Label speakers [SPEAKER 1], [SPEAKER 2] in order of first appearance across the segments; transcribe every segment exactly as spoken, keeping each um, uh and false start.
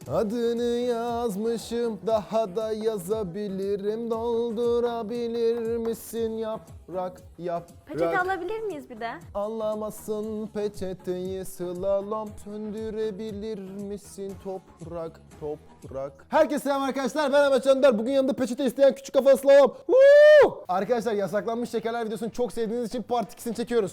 [SPEAKER 1] Adını yazmışım, daha da yazabilirim. Doldurabilir misin yaprak yaprak?
[SPEAKER 2] Peçete alabilir miyiz bir de?
[SPEAKER 1] Anlamasın peçeteyi slalom. Söndürebilir misin toprak toprak? Herkese selam arkadaşlar, ben Ahmet Candar. Bugün yanımda peçete isteyen küçük kafalı slalom. Woo! Arkadaşlar, yasaklanmış şekerler videosunu çok sevdiğiniz için part ikisini çekiyoruz.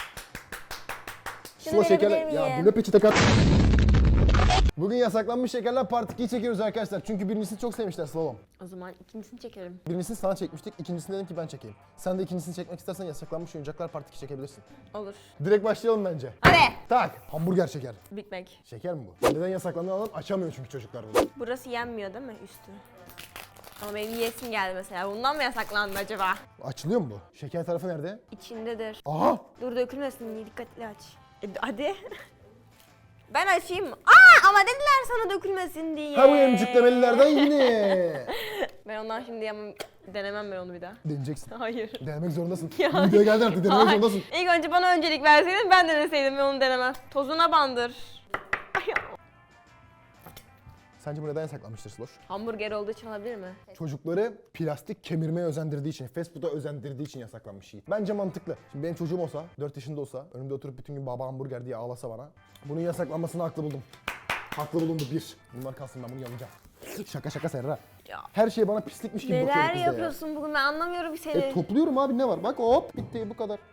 [SPEAKER 2] Şunu
[SPEAKER 1] Sıla şekerler.
[SPEAKER 2] verebilir
[SPEAKER 1] Ya
[SPEAKER 2] miyim?
[SPEAKER 1] bu ne peçete kat? Bugün yasaklanmış şekerler part ikiyi çekiyoruz arkadaşlar. Çünkü birincisini çok sevmişler slalom.
[SPEAKER 2] O zaman ikincisini çekelim.
[SPEAKER 1] Birincisini sana çekmiştik, ikincisini dedim ki ben çekeyim. Sen de ikincisini çekmek istersen yasaklanmış oyuncaklar part iki çekebilirsin.
[SPEAKER 2] Olur.
[SPEAKER 1] Direkt başlayalım bence.
[SPEAKER 2] Hadi.
[SPEAKER 1] Tak. Hamburger şeker.
[SPEAKER 2] Big Mac.
[SPEAKER 1] Şeker mi bu? Neden yasaklandığını anlam açamıyor çünkü çocuklar bunu.
[SPEAKER 2] Burası yenmiyor değil mi üstü? Ama benim yiyesim geldi mesela. Bundan mı yasaklandı acaba?
[SPEAKER 1] Açılıyor mu bu? Şeker tarafı nerede?
[SPEAKER 2] İçindedir.
[SPEAKER 1] Aha!
[SPEAKER 2] Dur dökülmesin diye dikkatli aç. E, hadi. Ben açayım mı? Aa ama dediler sana dökülmesin diye.
[SPEAKER 1] Ha bu emciklemelilerden yine.
[SPEAKER 2] Ben ondan şimdi yemem, denemem ben onu bir daha.
[SPEAKER 1] Deneyeceksin.
[SPEAKER 2] Hayır.
[SPEAKER 1] Denemek zorundasın.
[SPEAKER 2] Ya.
[SPEAKER 1] Videoya geldin artık denemek
[SPEAKER 2] Hayır.
[SPEAKER 1] zorundasın.
[SPEAKER 2] İlk önce bana öncelik verseydin ben deneseydim ve onu denemem. Tozuna bandır. Ay,
[SPEAKER 1] Sence bu neden yasaklanmıştır Sloş?
[SPEAKER 2] hamburger olduğu için olabilir mi?
[SPEAKER 1] Çocukları plastik kemirmeye özendirdiği için, fast food'a özendirdiği için yasaklanmış şey. Bence mantıklı. Şimdi benim çocuğum olsa, dört yaşında olsa, önümde oturup bütün gün baba hamburger diye ağlasa bana, bunun yasaklanmasını haklı buldum. Haklı bulundu bir. Bunlar kalsın, ben bunu yalayacağım. Şaka şaka Serra.
[SPEAKER 2] Ya.
[SPEAKER 1] Her şey bana pislikmiş gibi bakıyor
[SPEAKER 2] Neler
[SPEAKER 1] kız da ya.
[SPEAKER 2] yapıyorsun bugün ben anlamıyorum seni.
[SPEAKER 1] E topluyorum abi, ne var? Bak hop bitti, bu kadar.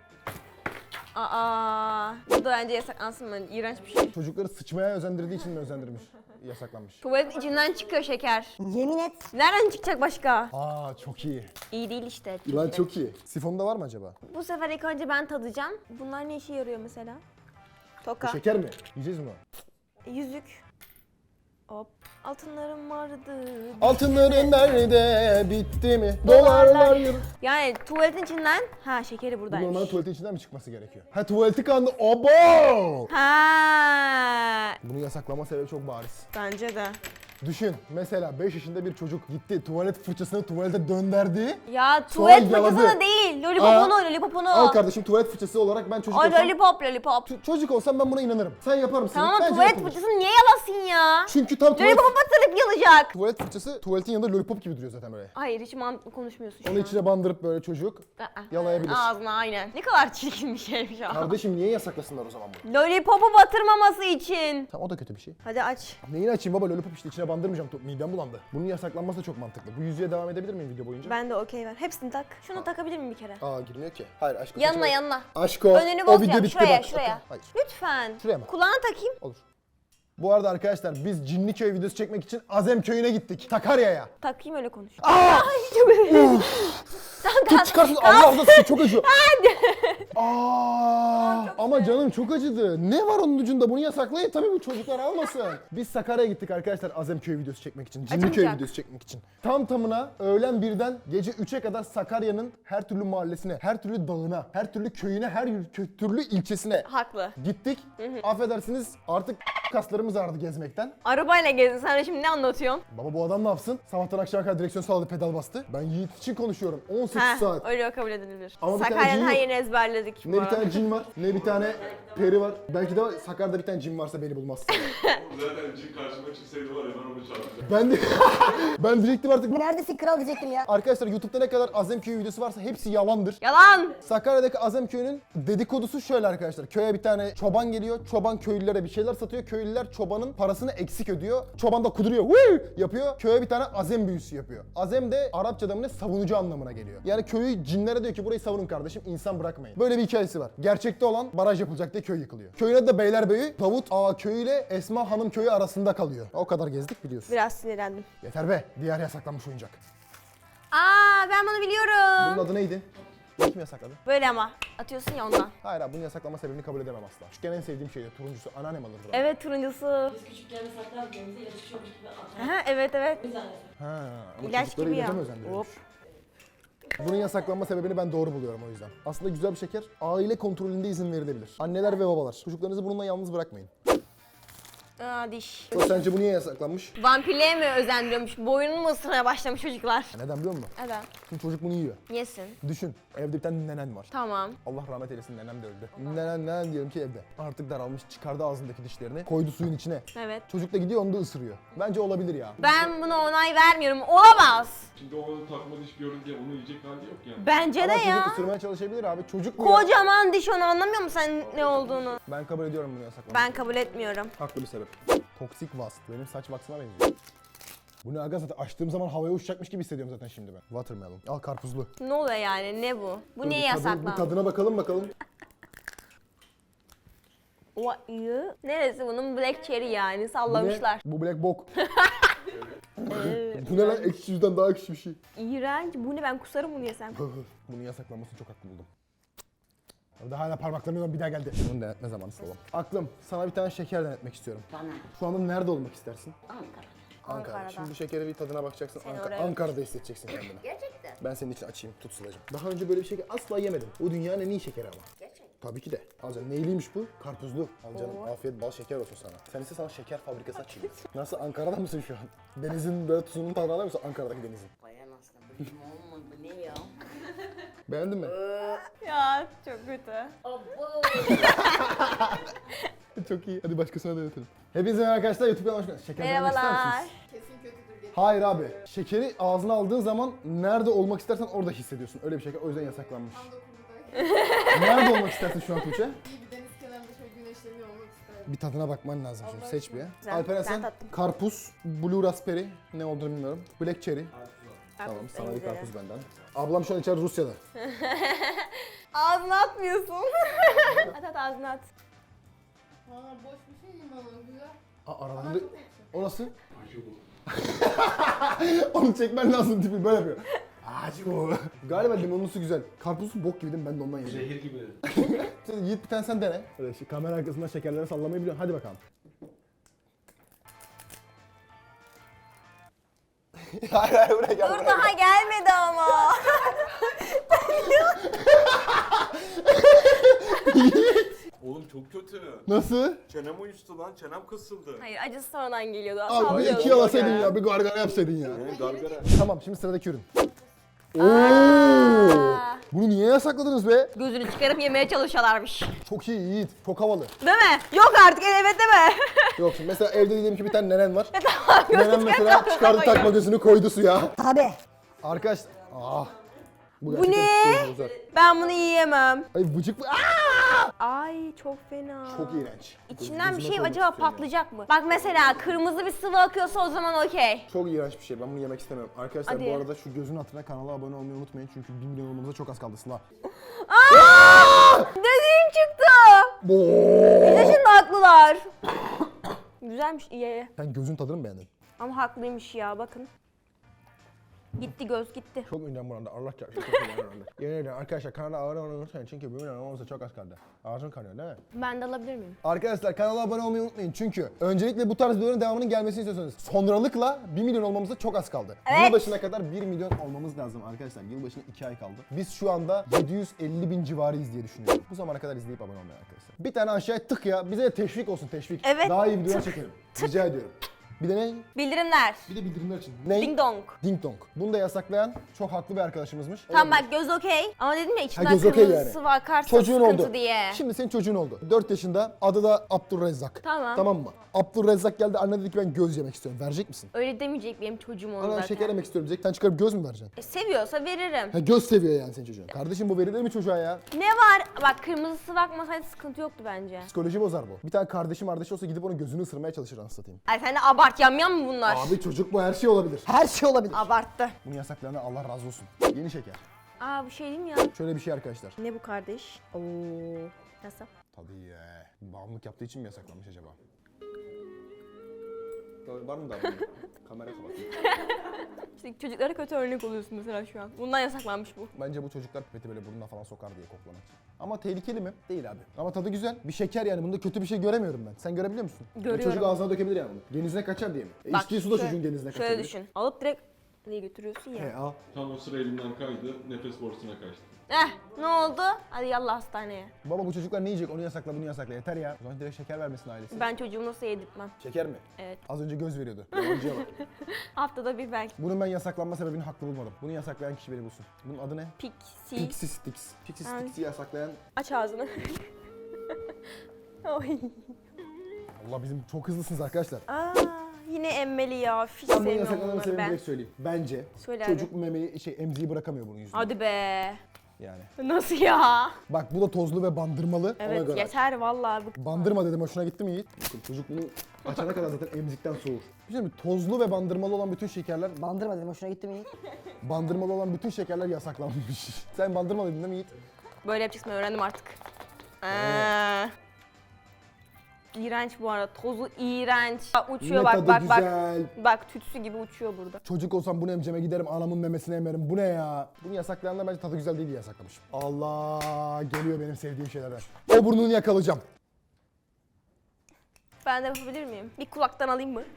[SPEAKER 2] Aa, bu da bence yasaklansın ben. İğrenç bir şey.
[SPEAKER 1] Çocukları sıçmaya özendirdiği için mi özendirmiş? Yasaklanmış.
[SPEAKER 2] Tuvaletin içinden çıkıyor şeker.
[SPEAKER 3] Yemin et.
[SPEAKER 2] Nereden çıkacak başka?
[SPEAKER 1] Aa çok iyi.
[SPEAKER 2] İyi değil işte.
[SPEAKER 1] Lan çok iyi. Sifonda var mı acaba?
[SPEAKER 2] Bu sefer ilk önce ben tadacağım. Bunlar ne işe yarıyor mesela?
[SPEAKER 1] Bu
[SPEAKER 2] Toka.
[SPEAKER 1] şeker mi? Yiyeceğiz mi?
[SPEAKER 2] Yüzük. Hop. Altınlarım vardı.
[SPEAKER 1] Altınların nerede? Bitti mi? Dolarlar yıl.
[SPEAKER 2] Yani tuvaletin içinden, ha şekeri
[SPEAKER 1] Bu
[SPEAKER 2] buradaymış.
[SPEAKER 1] normalde tuvaletin içinden mi çıkması gerekiyor? Ha tuvaleti kandı. Obo!
[SPEAKER 2] Ha,
[SPEAKER 1] Bunu yasaklama sebebi çok bariz.
[SPEAKER 2] bence de.
[SPEAKER 1] Düşün mesela beş yaşında bir çocuk gitti tuvalet fırçasını tuvalete dönderdi.
[SPEAKER 2] Ya tuvalet
[SPEAKER 1] yaladı.
[SPEAKER 2] fırçası da değil. Lollipopunu,
[SPEAKER 1] Aa,
[SPEAKER 2] lollipopunu.
[SPEAKER 1] Al kardeşim tuvalet fırçası olarak ben çocuk
[SPEAKER 2] O
[SPEAKER 1] olsam...
[SPEAKER 2] lollipop, lollipop.
[SPEAKER 1] Ç- çocuk olsam ben buna inanırım. Sen yapar mısın?
[SPEAKER 2] Tamam ama
[SPEAKER 1] Bence
[SPEAKER 2] tuvalet
[SPEAKER 1] yapılır.
[SPEAKER 2] fırçasını niye yalasın ya?
[SPEAKER 1] Çünkü tam tuvalet...
[SPEAKER 2] Lollipop'a batırıp yalacak.
[SPEAKER 1] Tuvalet fırçası tuvaletin yanında lollipop gibi duruyor zaten böyle.
[SPEAKER 2] Hayır hiç mantıklı konuşmuyorsun şu
[SPEAKER 1] Onu
[SPEAKER 2] an.
[SPEAKER 1] içine bandırıp böyle çocuk
[SPEAKER 2] Aa,
[SPEAKER 1] yalayabilir.
[SPEAKER 2] Ağzına aynen. Ne kadar çirkin bir şeymiş o.
[SPEAKER 1] Kardeşim niye yasaklasınlar o zaman bunu?
[SPEAKER 2] Lollipop'u batırmaması için.
[SPEAKER 1] Tamam o da kötü bir şey.
[SPEAKER 2] Hadi aç.
[SPEAKER 1] Neyini açayım baba, lollipop işte içine bandırmayacağım. To- Midem bulandı. Bunun yasaklanması da çok mantıklı. Bu yüzüğe devam edebilir miyim video boyunca?
[SPEAKER 2] Ben de okey ver. Hepsini tak. Şunu takabilir miyim bir kere?
[SPEAKER 1] Aa girmiyor ki. Hayır aşko.
[SPEAKER 2] Yanına
[SPEAKER 1] saçma.
[SPEAKER 2] yanına.
[SPEAKER 1] Aşko.
[SPEAKER 2] Önünü
[SPEAKER 1] o
[SPEAKER 2] boz
[SPEAKER 1] video
[SPEAKER 2] yap.
[SPEAKER 1] bitti
[SPEAKER 2] Şuraya
[SPEAKER 1] bak.
[SPEAKER 2] şuraya.
[SPEAKER 1] Hayır.
[SPEAKER 2] Lütfen.
[SPEAKER 1] Şuraya mı?
[SPEAKER 2] Kulağına takayım.
[SPEAKER 1] Olur. Bu arada arkadaşlar biz Cinliköy videosu çekmek için Azem köyüne gittik. Sakarya'ya.
[SPEAKER 2] Takayım öyle konuş.
[SPEAKER 1] Aa!
[SPEAKER 2] Ay çok özür
[SPEAKER 1] Tut çıkarsın Allah Allah size çok acıyor. Aa, ama canım çok acıdı. Ne var onun ucunda? Bunu yasaklayın tabii, bu çocuklar almasın. Biz Sakarya'ya gittik arkadaşlar Azemköy videosu çekmek için. Cinliköy
[SPEAKER 2] Açılacak.
[SPEAKER 1] videosu çekmek için. Tam tamına öğlen birden gece üçe kadar Sakarya'nın her türlü mahallesine, her türlü dağına, her türlü köyüne, her kö- türlü ilçesine
[SPEAKER 2] Haklı.
[SPEAKER 1] gittik. Affedersiniz artık kaslarımız ağrıdı gezmekten.
[SPEAKER 2] Arabayla gezdin. Sen de şimdi ne anlatıyorsun?
[SPEAKER 1] Baba bu adam ne yapsın? Sabahtan akşama kadar direksiyon sağladı, pedal bastı. Ben Yiğit için konuşuyorum. on sekiz
[SPEAKER 2] Ha,
[SPEAKER 1] saat.
[SPEAKER 2] öyle kabul edilebilir.
[SPEAKER 1] Ama bir tane
[SPEAKER 2] Sakarya'nın
[SPEAKER 1] cin
[SPEAKER 2] her
[SPEAKER 1] yok.
[SPEAKER 2] yerini ezberledik. bu
[SPEAKER 1] Ne bir
[SPEAKER 2] arada.
[SPEAKER 1] tane cin var, ne bir tane peri var. Belki de Sakarya'da bir tane cin varsa beni bulmaz.
[SPEAKER 4] Zaten cin karşıma çıksaydı var ya ben onu çarpacağım.
[SPEAKER 1] ben de ben diyecektim artık.
[SPEAKER 3] Neredesin kral diyecektim ya.
[SPEAKER 1] Arkadaşlar YouTube'da ne kadar Azemköy videosu varsa hepsi yalandır.
[SPEAKER 2] Yalan.
[SPEAKER 1] Sakarya'daki Azemköy'ün dedikodusu şöyle arkadaşlar. Köye bir tane çoban geliyor. Çoban köylülere bir şeyler satıyor. Köylüler çobanın parasını eksik ödüyor. Çoban da kuduruyor. Woo! Yapıyor. Köye bir tane azem büyüsü yapıyor. Azem de Arapçada mı ne savunucu anlamına geliyor. Yani köyü cinlere diyor ki burayı savunun kardeşim, insan bırakmayın. Böyle bir hikayesi var. Gerçekte olan baraj yapılacak diye köy yıkılıyor. Köyün adı da Beylerbeyi. Davut Ağa köyü ile Esma Hanım köyü arasında kalıyor. O kadar gezdik biliyorsun.
[SPEAKER 2] Biraz sinirlendim.
[SPEAKER 1] Yeter be. Diğer yasaklanmış oyuncak.
[SPEAKER 2] Aa ben bunu biliyorum.
[SPEAKER 1] Bunun adı neydi? Bunu kim yasakladı?
[SPEAKER 2] Böyle ama. Atıyorsun ya ondan.
[SPEAKER 1] Hayır abi, bunun yasaklama sebebini kabul edemem asla. Küçükken en sevdiğim şeydi. Turuncusu anneannem alırdı bana.
[SPEAKER 2] Evet turuncusu.
[SPEAKER 5] Küçükken saklar denize yapışıyormuş gibi atar.
[SPEAKER 2] Aha, evet evet.
[SPEAKER 1] Ha, ama
[SPEAKER 2] İlaç
[SPEAKER 1] çocukları
[SPEAKER 2] gibi ya.
[SPEAKER 1] ilaca mı özendiriyormuş?
[SPEAKER 2] Hop.
[SPEAKER 1] Bunun yasaklanma sebebini ben doğru buluyorum o yüzden. Aslında güzel bir şeker. Aile kontrolünde izin verilebilir. Anneler ve babalar. Çocuklarınızı bununla yalnız bırakmayın.
[SPEAKER 2] Aa diş.
[SPEAKER 1] So, sence bu niye yasaklanmış?
[SPEAKER 2] Vampirliğe mi özendiriyormuş? Boynunu mu ısırmaya başlamış çocuklar?
[SPEAKER 1] Neden biliyor musun?
[SPEAKER 2] Neden?
[SPEAKER 1] Çünkü çocuk bunu yiyor.
[SPEAKER 2] Yesin.
[SPEAKER 1] Düşün, evde bir tane nenen var.
[SPEAKER 2] Tamam.
[SPEAKER 1] Allah rahmet eylesin, nenem de öldü. Nenen, nenen diyelim ki evde. Artık daralmış, çıkardı ağzındaki dişlerini, koydu suyun içine.
[SPEAKER 2] Evet.
[SPEAKER 1] Çocuk da gidiyor, onu da ısırıyor. Bence olabilir ya.
[SPEAKER 2] Ben buna onay vermiyorum. Olamaz.
[SPEAKER 4] Şimdi o takma diş görünce onu yiyecek hali yok yani.
[SPEAKER 2] Bence
[SPEAKER 1] Ama
[SPEAKER 2] de
[SPEAKER 1] çocuk
[SPEAKER 2] ya.
[SPEAKER 1] ısırmaya çalışabilir abi. Çocuk bu ya.
[SPEAKER 2] Kocaman diş, onu anlamıyor musun sen ne olduğunu?
[SPEAKER 1] Ben kabul ediyorum bunu yasaklamayı.
[SPEAKER 2] Ben kabul etmiyorum.
[SPEAKER 1] Haklı bir sebep. Toksik wasp. Benim saç vaksına benziyor. Bu ne aga, zaten açtığım zaman havaya uçacakmış gibi hissediyorum zaten şimdi ben. Watermelon. Al karpuzlu.
[SPEAKER 2] Ne oluyor yani? Ne bu? Bu
[SPEAKER 1] Dur,
[SPEAKER 2] niye
[SPEAKER 1] bir tadı-
[SPEAKER 2] yasaklandı?
[SPEAKER 1] Bir tadına bakalım bakalım.
[SPEAKER 2] O iyi. Neresi bunun? Black cherry yani. Sallamışlar.
[SPEAKER 1] Bu, ne? Bu black bok. Bu ne lan? Ekşi yüzden daha ekşi bir şey.
[SPEAKER 2] İğrenç. Bu ne? Ben kusarım bunu yesem.
[SPEAKER 1] Bunun yasaklanmasını çok haklı buldum. Orada hala parmaklarımdan bir daha geldi. Bunu denetme zamanı oğlum. Aklım, sana bir tane şeker denetmek istiyorum.
[SPEAKER 5] Bana.
[SPEAKER 1] Şu anda nerede olmak istersin?
[SPEAKER 5] Ankara.
[SPEAKER 2] Ankara'da.
[SPEAKER 1] Şimdi bu şekeri bir tadına bakacaksın.
[SPEAKER 2] Seni
[SPEAKER 1] Anka-
[SPEAKER 2] oraya-
[SPEAKER 1] Ankara'da hissedeceksin kendini.
[SPEAKER 5] Gerçekten.
[SPEAKER 1] Ben senin için açayım, tut Sıla'cığım. Daha önce böyle bir şeker asla yemedim. O dünyanın en iyi şekeri ama.
[SPEAKER 5] Gerçekten.
[SPEAKER 1] Tabii ki de. Alacaksın. Neyliymiş bu? Karpuzlu. Al canım. Afiyet bal şeker olsun sana. Sen ise sana şeker fabrikası açayım. Nasıl, Ankara'da mısın şu an? Denizin böyle tuzunun tadını alıyor musun Ankara'daki denizin?
[SPEAKER 5] Bayan aslında. Benim olmadı. Bu ne ya?
[SPEAKER 1] Beğendin mi?
[SPEAKER 2] Ya çok kötü.
[SPEAKER 5] Abo.
[SPEAKER 1] Çok iyi. Hadi başkasına denetelim. Hepinize merhaba arkadaşlar. YouTube kanalıma hoş geldiniz. Şeker denemek ister
[SPEAKER 2] Merhabalar.
[SPEAKER 1] misiniz? Hayır abi. Şekeri ağzına aldığın zaman nerede olmak istersen orada hissediyorsun. Öyle bir şeker. O yüzden yasaklanmış. Nerede olmak istersin şu an Tuğçe?
[SPEAKER 3] İyi bir deniz kenarında şöyle güneşleniyor olmak isterdim.
[SPEAKER 1] Bir tadına bakman lazım şimdi.
[SPEAKER 3] Allah
[SPEAKER 1] Seç bir.
[SPEAKER 2] Güzel,
[SPEAKER 1] Alperen
[SPEAKER 2] ben
[SPEAKER 1] sen
[SPEAKER 2] tattım.
[SPEAKER 1] karpuz, blue raspberry, ne olduğunu bilmiyorum. Black cherry. Tamam,
[SPEAKER 2] Karpuz
[SPEAKER 1] sana
[SPEAKER 2] en
[SPEAKER 1] bir
[SPEAKER 2] güzeli.
[SPEAKER 1] karpuz benden. Ablam şu an içeride Rusya'da.
[SPEAKER 2] Ağzına atmıyorsun. at at ağzına at.
[SPEAKER 3] Valla boş bir şey yiyeyim ama güzel.
[SPEAKER 1] Aa,
[SPEAKER 3] Ama
[SPEAKER 1] aralarında...
[SPEAKER 3] çok ekşi.
[SPEAKER 1] O nasıl? Onu çekmen lazım, tipi böyle yapıyor. Acı bu. Galiba limonlusu güzel. Karpuzun bok gibi değil mi? Ben de ondan yedim.
[SPEAKER 4] Zehir gibi.
[SPEAKER 1] Sen Yiğit, bir tane sen dene. Öyle şey, kamera arkasında şekerleri sallamayı biliyorsun. Hadi bakalım. hayır hayır, buraya gel.
[SPEAKER 2] Dur daha gelmedi ama.
[SPEAKER 4] Oğlum çok kötü.
[SPEAKER 1] Nasıl?
[SPEAKER 4] Çenem uyuştu lan, çenem kısıldı.
[SPEAKER 2] Hayır, acısı sonradan geliyordu.
[SPEAKER 1] Abi bir
[SPEAKER 2] Sallıyordum.
[SPEAKER 1] iki yalasaydın ya, bir gargara yapsaydın ya.
[SPEAKER 4] Ne gargara.
[SPEAKER 1] Tamam, şimdi sıradaki ürün. Oo!
[SPEAKER 2] Aa,
[SPEAKER 1] Bunu niye yasakladınız be?
[SPEAKER 2] gözünü çıkarıp yemeye çalışıyorlarmış.
[SPEAKER 1] Çok iyi Yiğit, çok havalı.
[SPEAKER 2] Değil mi? Yok artık, evet deme.
[SPEAKER 1] Yok şimdi mesela evde diyelim ki bir tane nenen var.
[SPEAKER 2] Tamam,
[SPEAKER 1] Nenem
[SPEAKER 2] gözünü
[SPEAKER 1] mesela
[SPEAKER 2] çıkarıp
[SPEAKER 1] çıkardı
[SPEAKER 2] koyuyor.
[SPEAKER 1] takma gözünü koydu suya.
[SPEAKER 2] Tabii.
[SPEAKER 1] Arkadaşlar, ah.
[SPEAKER 2] Bu
[SPEAKER 1] gerçekten
[SPEAKER 2] ne?
[SPEAKER 1] psikolojimi bozar.
[SPEAKER 2] Ben bunu yiyemem.
[SPEAKER 1] Ay vıcık, aa!
[SPEAKER 2] Ay çok fena.
[SPEAKER 1] Çok iğrenç.
[SPEAKER 2] İçinden bir
[SPEAKER 1] Gözüme
[SPEAKER 2] şey
[SPEAKER 1] koymak
[SPEAKER 2] acaba
[SPEAKER 1] istiyorum ya.
[SPEAKER 2] patlayacak mı? Bak mesela kırmızı bir sıvı akıyorsa o zaman okey.
[SPEAKER 1] Çok iğrenç bir şey. Ben bunu yemek istemiyorum. Arkadaşlar
[SPEAKER 2] Hadi.
[SPEAKER 1] bu arada şu gözün hatırına kanala abone olmayı unutmayın. Çünkü bir milyon olmamıza çok az kaldı Sıla.
[SPEAKER 2] Aa! Dediğim çıktı. Bize şimdi haklılar. Güzelmiş, iyi.
[SPEAKER 1] Sen gözün tadını mı beğendin?
[SPEAKER 2] Ama haklıymış ya, bakın. Gitti göz gitti.
[SPEAKER 1] Çok ünlem burada. Allah çarpsın. Çok ünlem burada. Yemin ederim arkadaşlar kanala abone olmayı unutmayın. Çünkü bir milyon olmamıza çok az kaldı. Ağzın kanıyor değil mi?
[SPEAKER 2] Ben de alabilir miyim?
[SPEAKER 1] Arkadaşlar kanala abone olmayı unutmayın. Çünkü öncelikle bu tarz videoların devamının gelmesini istiyorsanız sonralıkla bir milyon olmamıza çok az kaldı.
[SPEAKER 2] Evet.
[SPEAKER 1] Yılbaşına kadar bir milyon olmamız lazım arkadaşlar. Yılbaşına iki ay kaldı. Biz şu anda yedi yüz elli bin civarıyız diye düşünüyorum. Bu zamana kadar izleyip abone olmayı arkadaşlar. Bir tane aşağıya tık ya. Bize de teşvik olsun, teşvik.
[SPEAKER 2] Evet,
[SPEAKER 1] Daha iyi videolar çekelim. Rica ediyorum. Bir de ne?
[SPEAKER 2] Bildirimler.
[SPEAKER 1] Bir de bildirimler için. Ne?
[SPEAKER 2] Ding dong.
[SPEAKER 1] Ding dong. Bunu da yasaklayan çok haklı bir arkadaşımızmış.
[SPEAKER 2] Tamam bak, göz okey. Ama dedim ya içinden
[SPEAKER 1] göz okey
[SPEAKER 2] kırmızı
[SPEAKER 1] yani.
[SPEAKER 2] sıvı akarsa
[SPEAKER 1] Çocuğun
[SPEAKER 2] sıkıntı
[SPEAKER 1] oldu.
[SPEAKER 2] diye.
[SPEAKER 1] Şimdi senin çocuğun oldu. dört yaşında. Adı da Abdurrezzak.
[SPEAKER 2] Tamam.
[SPEAKER 1] Tamam mı? Abdurrezzak geldi. Anne dedi ki ben göz yemek istiyorum. Verecek misin?
[SPEAKER 2] Öyle demeyecek, benim çocuğum onu
[SPEAKER 1] Ana
[SPEAKER 2] zaten.
[SPEAKER 1] şeker yemek istiyorum diyecek. Sen çıkarıp göz mü vereceksin?
[SPEAKER 2] E, seviyorsa veririm.
[SPEAKER 1] Ha, göz seviyor yani senin çocuğun. Kardeşim bu verilir mi çocuğa ya?
[SPEAKER 2] Ne var? Bak kırmızı sıvı akmasaydı sıkıntı yoktu bence.
[SPEAKER 1] Psikoloji bozar bu. Bir tane kardeşim kardeşi olsa gidip onun gözünü ısırmaya çalışır anasını satayım.
[SPEAKER 2] Ay sen de abart, yamyam mı bunlar?
[SPEAKER 1] Abi çocuk bu, her şey olabilir. Her şey olabilir.
[SPEAKER 2] Abarttı.
[SPEAKER 1] Bunu yasaklayana Allah razı olsun. Yeni şeker.
[SPEAKER 2] Aa bu şey değil mi ya?
[SPEAKER 1] Şöyle bir şey arkadaşlar.
[SPEAKER 2] Ne bu kardeş? Oo. Nasıl?
[SPEAKER 1] Tadı iyi. Bağımlılık yaptığı için mi yasaklanmış acaba? Var mı daha? Kamera kapat.
[SPEAKER 2] İşte çocuklara kötü örnek oluyorsun mesela şu an. Bundan yasaklanmış bu.
[SPEAKER 1] Bence bu çocuklar pipeti böyle burnuna falan sokar diye koklamak için. Ama tehlikeli mi? Değil abi. Ama tadı güzel. Bir şeker yani. Bunda kötü bir şey göremiyorum ben. Sen görebiliyor musun?
[SPEAKER 2] Görüyorum.
[SPEAKER 1] O çocuk ağzına dökebilir yani bunu. Genizine kaçar diye mi? E,
[SPEAKER 2] Bak,
[SPEAKER 1] içtiği su da
[SPEAKER 2] şöyle-
[SPEAKER 1] çocuğun genizine kaçabilir.
[SPEAKER 2] Şöyle düşün. Alıp direkt diye götürüyorsun ya.
[SPEAKER 1] He al.
[SPEAKER 4] Tam o sıra elimden kaydı, nefes borusuna kaçtı.
[SPEAKER 2] Eh ne oldu? Hadi yallah hastaneye.
[SPEAKER 1] Baba bu çocuklar ne yiyecek? Onu yasakla, bunu yasakla. Yeter ya. O zaman direkt şeker vermesin ailesi.
[SPEAKER 2] Ben çocuğumu nasıl yedirtmem?
[SPEAKER 1] Şeker mi?
[SPEAKER 2] Evet.
[SPEAKER 1] Az önce göz veriyordu. Yalancıya bak.
[SPEAKER 2] Haftada bir belki.
[SPEAKER 1] Bunun ben yasaklanma sebebini haklı bulmadım. Bunu yasaklayan kişi beni bulsun. Bunun adı ne?
[SPEAKER 2] Pixie.
[SPEAKER 1] Pixie Sticks. Pixie
[SPEAKER 2] Ay.
[SPEAKER 1] Sticks'i yasaklayan...
[SPEAKER 2] Aç ağzını. Oy.
[SPEAKER 1] Allah bizim çok hızlısınız arkadaşlar.
[SPEAKER 2] Aa, yine emmeli ya. Hiç
[SPEAKER 1] Ben bunun
[SPEAKER 2] sevmiyorum
[SPEAKER 1] yasaklanma
[SPEAKER 2] bunları
[SPEAKER 1] sebebini
[SPEAKER 2] ben.
[SPEAKER 1] direkt söyleyeyim. Bence
[SPEAKER 2] Söyle
[SPEAKER 1] çocuk memeyi, şey emziği bırakamıyor bunun yüzünden.
[SPEAKER 2] Hadi be.
[SPEAKER 1] Yani.
[SPEAKER 2] Nasıl ya?
[SPEAKER 1] Bak bu da tozlu ve bandırmalı. Ona
[SPEAKER 2] Evet
[SPEAKER 1] göre.
[SPEAKER 2] yeter vallahi. Bu-
[SPEAKER 1] Bandırma dedim, hoşuna gitti mi Yiğit? Bakın çocuk bunu açana kadar zaten emzikten soğur. Bir şey mi? Tozlu ve bandırmalı olan bütün şekerler,
[SPEAKER 5] Bandırma dedim hoşuna gitti mi Yiğit?
[SPEAKER 1] bandırmalı olan bütün şekerler yasaklanmış. Sen bandırma dedin değil mi Yiğit?
[SPEAKER 2] Böyle yapacaksın, öğrendim artık. Aa. İğrenç bu arada. Tozu iğrenç. Bak uçuyor
[SPEAKER 1] Ne
[SPEAKER 2] bak
[SPEAKER 1] tadı
[SPEAKER 2] bak
[SPEAKER 1] güzel.
[SPEAKER 2] bak. Bak tütsü gibi uçuyor burada.
[SPEAKER 1] Çocuk olsam bunu emceme giderim, anamın memesini emerim. Bu ne ya? Bunu yasaklayanlar bence tadı güzel değil diye yasaklamış. Allah, geliyor benim sevdiğim şeylerden. O burnunu yakalayacağım.
[SPEAKER 2] Ben de yapabilir miyim? Bir kulaktan alayım mı?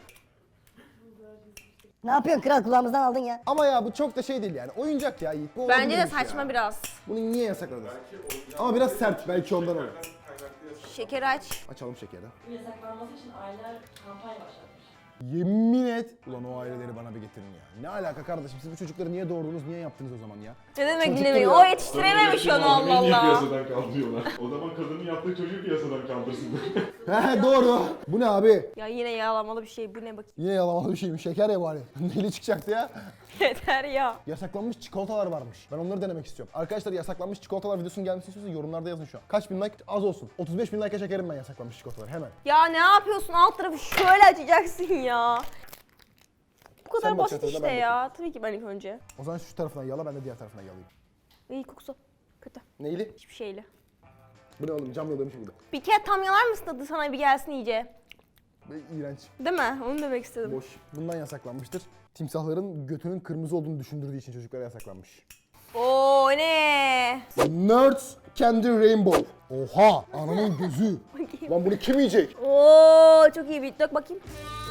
[SPEAKER 5] Ne yapıyorsun kral, kulağımızdan aldın ya.
[SPEAKER 1] Ama ya bu çok da şey değil yani. Oyuncak ya Yiğit. Bu
[SPEAKER 2] Bence de
[SPEAKER 1] olabilirmiş
[SPEAKER 2] saçma
[SPEAKER 1] ya.
[SPEAKER 2] biraz.
[SPEAKER 1] Bunu niye yasakladın? Ama biraz sert, belki ondan olur.
[SPEAKER 2] Şeker aç.
[SPEAKER 1] Açalım şekeri.
[SPEAKER 6] Yasaklanması için aileler kampanya başlatmış.
[SPEAKER 1] Yemin et. Ulan o aileleri bana bir getirin ya. Ne alaka kardeşim? Siz bu çocukları niye doğurdunuz, niye yaptınız o zaman ya?
[SPEAKER 2] Ne demek
[SPEAKER 1] Çocuktur
[SPEAKER 2] dinlemiyor?
[SPEAKER 1] ya.
[SPEAKER 2] O yetiştirememiş onu Allah
[SPEAKER 4] Niye
[SPEAKER 2] Allah.
[SPEAKER 4] piyasadan kaldırıyorlar? O zaman kadının yaptığı çocuğu piyasadan kaldırsın.
[SPEAKER 1] He doğru. Bu ne abi?
[SPEAKER 2] Ya yine yağlamalı bir şey. Bu ne bakayım?
[SPEAKER 1] Yine yalamalı bir şeymiş. Şeker ya bari. Neli çıkacaktı ya?
[SPEAKER 2] Yeter ya.
[SPEAKER 1] Yasaklanmış çikolatalar varmış. Ben onları denemek istiyorum. Arkadaşlar yasaklanmış çikolatalar videosunun gelmesini istiyorsanız yorumlarda yazın şu an. Kaç bin like? Az olsun. otuz beş bin like'a çekerim ben yasaklanmış çikolataları hemen.
[SPEAKER 2] Ya ne yapıyorsun? Alt tarafı şöyle açacaksın ya. Bu kadar
[SPEAKER 1] Sen bak
[SPEAKER 2] basit
[SPEAKER 1] çatalına,
[SPEAKER 2] işte
[SPEAKER 1] ben
[SPEAKER 2] ya. Tabii ki ben ilk önce.
[SPEAKER 1] O zaman şu tarafından yala, ben de diğer tarafından yalayayım.
[SPEAKER 2] İyi kokusu. Kötü.
[SPEAKER 1] Neyli?
[SPEAKER 2] Hiçbir şeyle.
[SPEAKER 1] Bu ne oğlum? Cam yalamış burada.
[SPEAKER 2] Bir kere tam yalar mısın tadı sana bir gelsin iyice?
[SPEAKER 1] Ve iğrenç.
[SPEAKER 2] Değil mi? Onu demek istedim.
[SPEAKER 1] Boş. Bundan yasaklanmıştır. Timsahların götünün kırmızı olduğunu düşündürdüğü için çocuklara yasaklanmış.
[SPEAKER 2] Oo ne?
[SPEAKER 1] Nerds Candy Rainbow. Oha! Ananın gözü.
[SPEAKER 2] Bakayım.
[SPEAKER 1] Lan bunu kim yiyecek?
[SPEAKER 2] Oo çok iyi bir dök bakayım.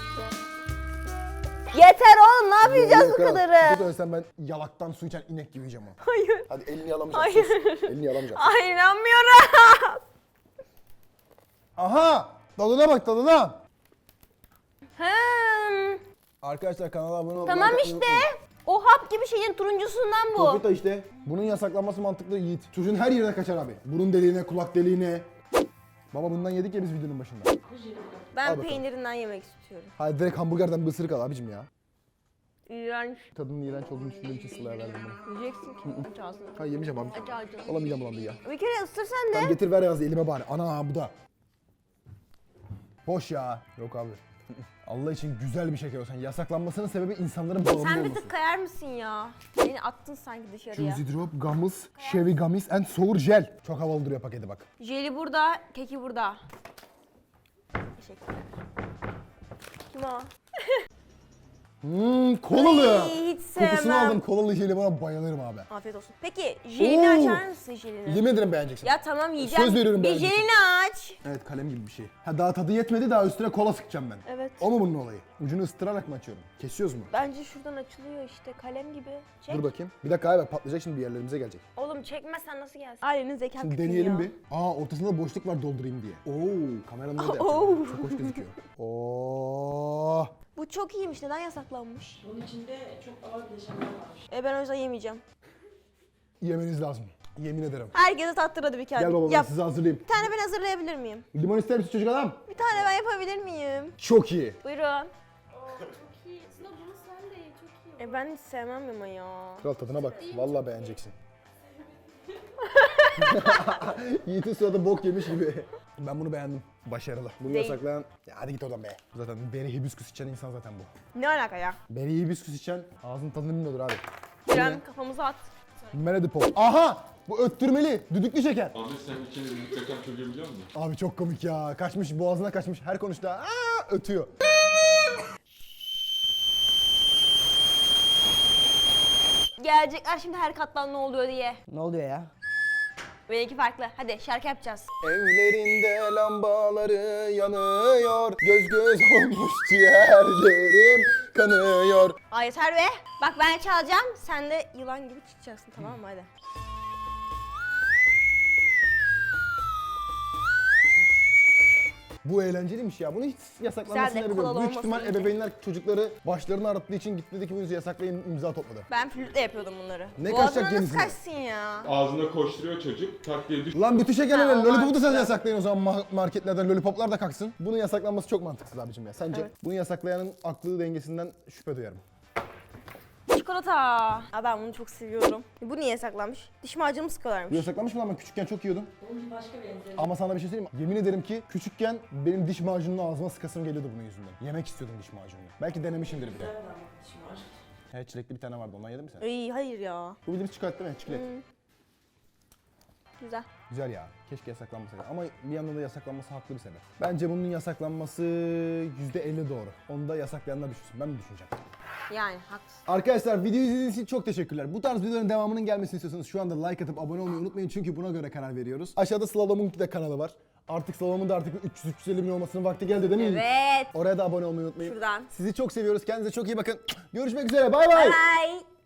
[SPEAKER 2] Yeter oğlum, ne yapacağız bu
[SPEAKER 1] Yok,
[SPEAKER 2] kadarı?
[SPEAKER 1] Bu da ben yalaktan su içen inek gibi yiyeceğim onu.
[SPEAKER 2] Hayır.
[SPEAKER 1] Hadi elini yalamayacağım.
[SPEAKER 2] Hayır.
[SPEAKER 1] sus. Elini yalamayacağım.
[SPEAKER 2] Ay inanmıyorum.
[SPEAKER 1] Aha! Tadına bak, tadına.
[SPEAKER 2] Hmm,
[SPEAKER 1] Arkadaşlar kanala abone olmayı
[SPEAKER 2] tamam
[SPEAKER 1] unutmayın.
[SPEAKER 2] işte. O hap gibi şeyin turuncusundan bu.
[SPEAKER 1] Korkut da işte. Bunun yasaklanması mantıklı Yiğit. Çocuğun her yerine kaçar abi. Burun deliğine, kulak deliğine. Baba bundan yedik ya biz videonun başında. Al
[SPEAKER 2] Ben
[SPEAKER 1] bakalım.
[SPEAKER 2] peynirinden yemek istiyorum.
[SPEAKER 1] Hadi direkt hamburgerden bir ısırık al abicim ya.
[SPEAKER 2] İğrenç.
[SPEAKER 1] Tadının iğrenç olduğunu düşündüğüm için Sıla'ya verdim bunu.
[SPEAKER 2] Yiyeceksin ki. Aç ağzını.
[SPEAKER 1] Ha yemeyeceğim abi.
[SPEAKER 2] Aç ağzını.
[SPEAKER 1] Alamayacağım bulandı ya.
[SPEAKER 2] Bir kere ısır sen de.
[SPEAKER 1] Tamam getir ver yazdı elime bari. Ana bu da. Boş ya. Yok abi. Allah için güzel bir şeker olsun. Yasaklanmasının sebebi insanların bağımlı
[SPEAKER 2] Sen bir
[SPEAKER 1] olması.
[SPEAKER 2] tık kayar mısın ya? Beni attın sanki dışarıya.
[SPEAKER 1] Juicy Drop, Gummies, Chevy Gummies and Sour Gel. Çok havalı duruyor paketi bak.
[SPEAKER 2] Jeli burada, keki burada. Teşekkürler. Kim o?
[SPEAKER 1] Hmm, kolalı.
[SPEAKER 2] Ay, hiç
[SPEAKER 1] Kokusunu
[SPEAKER 2] sevmem.
[SPEAKER 1] aldım. Kolalı jeli bana bayılırım abi.
[SPEAKER 2] Afiyet olsun. Peki jelini
[SPEAKER 1] Oo.
[SPEAKER 2] açar mısın jelini?
[SPEAKER 1] Yemin ederim beğeneceksin.
[SPEAKER 2] Ya tamam yiyeceğim.
[SPEAKER 1] Söz veriyorum
[SPEAKER 2] Bir
[SPEAKER 1] beğeneceksin.
[SPEAKER 2] jelini aç.
[SPEAKER 1] Evet kalem gibi bir şey. Ha daha tadı yetmedi, daha üstüne kola sıkacağım ben.
[SPEAKER 2] Evet.
[SPEAKER 1] O mu bunun olayı? Ucunu ısıtırarak mı açıyorum? Kesiyoruz mu?
[SPEAKER 2] Bence şuradan açılıyor işte kalem gibi. Çek.
[SPEAKER 1] Dur bakayım. Bir dakika abi patlayacak şimdi bir yerlerimize gelecek.
[SPEAKER 2] Oğlum çekmezsen nasıl gelsin? Ailenin zeka
[SPEAKER 1] Şimdi
[SPEAKER 2] küpü
[SPEAKER 1] deneyelim
[SPEAKER 2] ya.
[SPEAKER 1] bir. Aa ortasında boşluk var doldurayım diye. Oo kameranın önünde
[SPEAKER 2] Oo.
[SPEAKER 1] yapacağım. Çok hoş gözüküyor. Oo.
[SPEAKER 2] Bu çok iyiymiş. Neden yasaklanmış?
[SPEAKER 6] Bunun içinde çok ağır bileşenler varmış.
[SPEAKER 2] E ben o yüzden yemeyeceğim.
[SPEAKER 1] Yemeniz lazım. Yemin ederim.
[SPEAKER 2] Herkese tattır hadi bir kere.
[SPEAKER 1] Gel baba ben
[SPEAKER 2] Yap.
[SPEAKER 1] size hazırlayayım.
[SPEAKER 2] Bir tane ben hazırlayabilir miyim?
[SPEAKER 1] Limon ister misin çocuk adam?
[SPEAKER 2] Bir tane ben yapabilir miyim?
[SPEAKER 1] Çok iyi.
[SPEAKER 2] Buyurun.
[SPEAKER 3] Çok iyi. Sıla bunu sen de ye. Çok iyi.
[SPEAKER 2] E ben hiç sevmem ama ya.
[SPEAKER 1] Kral tadına bak. Vallahi beğeneceksin. Yiğit'in sırada bok yemiş gibi. Ben bunu beğendim. Başarılı. Bunu
[SPEAKER 2] Değil.
[SPEAKER 1] yasaklayan... Ya hadi git oradan be. Zaten beri hibiskus içen insan zaten bu.
[SPEAKER 2] Ne alaka ya?
[SPEAKER 1] Beri hibiskus içen ağzının tadını bilmiyordur abi.
[SPEAKER 2] İrem kafamıza at.
[SPEAKER 1] Meredipol. Aha! Bu öttürmeli. Düdüklü şeker.
[SPEAKER 4] Ahmet sen içine bir kaçan çocuğu biliyor musun?
[SPEAKER 1] Abi çok komik ya. Kaçmış boğazına kaçmış. Her konuştuğunda aa ötüyor.
[SPEAKER 2] Gelecekler şimdi her kattan ne oluyor diye.
[SPEAKER 5] Ne oluyor ya?
[SPEAKER 2] Benimki farklı. Hadi şarkı yapacağız.
[SPEAKER 1] Evlerinde lambaları yanıyor. Göz göz olmuş ciğerlerim. kanıyor.
[SPEAKER 2] Ay yeter be. Bak ben çalacağım. Sen de yılan gibi çıkacaksın, tamam mı? Hadi.
[SPEAKER 1] Bu eğlenceliymiş ya. Bunu hiç yasaklanmasını
[SPEAKER 2] Güzel de,
[SPEAKER 1] biliyorum.
[SPEAKER 2] kolalı
[SPEAKER 1] Büyük
[SPEAKER 2] olması
[SPEAKER 1] ihtimal
[SPEAKER 2] iyice.
[SPEAKER 1] ebeveynler çocukları başlarını ağrıttığı için gitti dedi ki bunu yasaklayın, imza topladı.
[SPEAKER 2] Ben flütle yapıyordum bunları.
[SPEAKER 1] Ne
[SPEAKER 2] Boğazına
[SPEAKER 1] kaçacak
[SPEAKER 2] nasıl
[SPEAKER 1] genizine?
[SPEAKER 2] kaçsın ya?
[SPEAKER 4] Ağzına koşturuyor çocuk, tak diye düş.
[SPEAKER 1] Lan bütün şekerler
[SPEAKER 2] Ha, o
[SPEAKER 1] lollipopu da sen
[SPEAKER 2] mantıklı.
[SPEAKER 1] yasaklayın o zaman ma- marketlerden lollipoplar da kalksın. Bunun yasaklanması çok mantıksız abicim ya. Sence?
[SPEAKER 2] Evet.
[SPEAKER 1] Bunu yasaklayanın aklı dengesinden şüphe duyarım.
[SPEAKER 2] Çikolata. Aa, ben bunu çok seviyorum. Bu niye saklanmış? Diş macunu
[SPEAKER 1] Bu
[SPEAKER 2] sıkıyorlarmış.
[SPEAKER 1] yasaklanmış mı lan, ben küçükken çok yiyordum.
[SPEAKER 6] Bunun bir başka benzeri.
[SPEAKER 1] Ama sana bir şey söyleyeyim mi? Yemin ederim ki küçükken benim diş macununu ağzıma sıkasım geliyordu bunun yüzünden. Yemek istiyordum diş macununu. Belki denemişimdir bile.
[SPEAKER 6] Güzel bir anlatışım var.
[SPEAKER 1] He, çilekli bir tane vardı, ondan yedin mi sen?
[SPEAKER 2] Ay hayır ya.
[SPEAKER 1] Bu bildiğimiz çikolata değil mi? Çilek.
[SPEAKER 2] Güzel.
[SPEAKER 1] Güzel ya. Keşke yasaklanmasa. Ama bir yandan da yasaklanması haklı bir sebep. Bence bunun yasaklanması yüzde elli doğru. Onu da yasaklayanlar düşünsün. Ben mi düşüneceğim?
[SPEAKER 2] Yani haklısın.
[SPEAKER 1] Arkadaşlar videoyu izlediğiniz için çok teşekkürler. Bu tarz videoların devamının gelmesini istiyorsanız şu anda like atıp abone olmayı unutmayın. Çünkü buna göre karar veriyoruz. Aşağıda Slalom'un de kanalı var. Artık Slalom'un da artık üç yüz üç yüz elli bin olmasının vakti geldi değil mi?
[SPEAKER 2] Evet.
[SPEAKER 1] Oraya da abone olmayı unutmayın.
[SPEAKER 2] Şuradan.
[SPEAKER 1] Sizi çok seviyoruz. Kendinize çok iyi bakın. Görüşmek üzere. Bay bay.
[SPEAKER 2] Bye.